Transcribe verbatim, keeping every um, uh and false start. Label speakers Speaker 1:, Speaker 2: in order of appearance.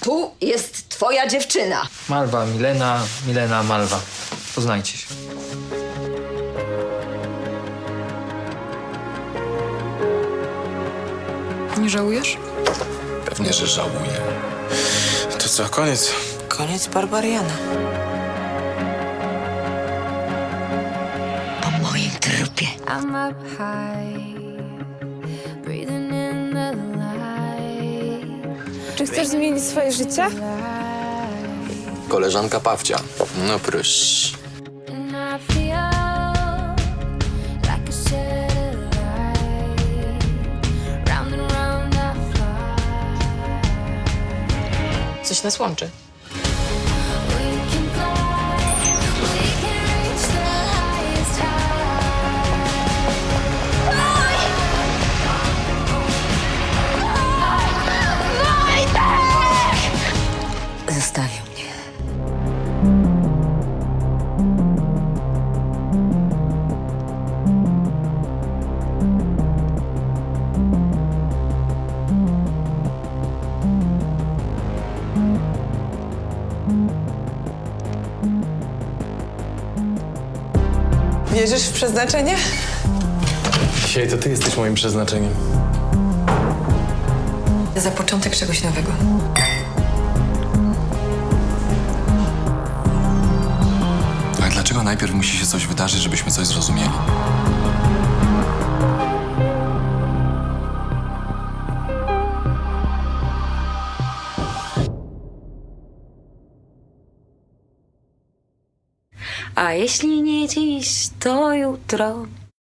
Speaker 1: tu jest twoja dziewczyna.
Speaker 2: Malwa, Milena, Milena, Malwa. Poznajcie się.
Speaker 3: Nie żałujesz?
Speaker 4: Pewnie, że żałuję. To co, koniec?
Speaker 5: Koniec Barbariana.
Speaker 1: Po moim trupie.
Speaker 6: I'm up high, breathing in the light.
Speaker 3: Czy chcesz zmienić swoje życie?
Speaker 4: Koleżanka Pawcia. No proszę.
Speaker 6: And I feel like a satellite. Round and round I fly.
Speaker 5: Coś nas łączy.
Speaker 6: We can fly, we can reach the highest high.
Speaker 1: Zostawił mnie.
Speaker 5: Wierzysz w przeznaczenie?
Speaker 4: Dzisiaj to ty jesteś moim przeznaczeniem.
Speaker 5: Za początek czegoś nowego.
Speaker 4: A dlaczego najpierw musi się coś wydarzyć, żebyśmy coś zrozumieli?
Speaker 6: A jeśli nie dziś, to jutro.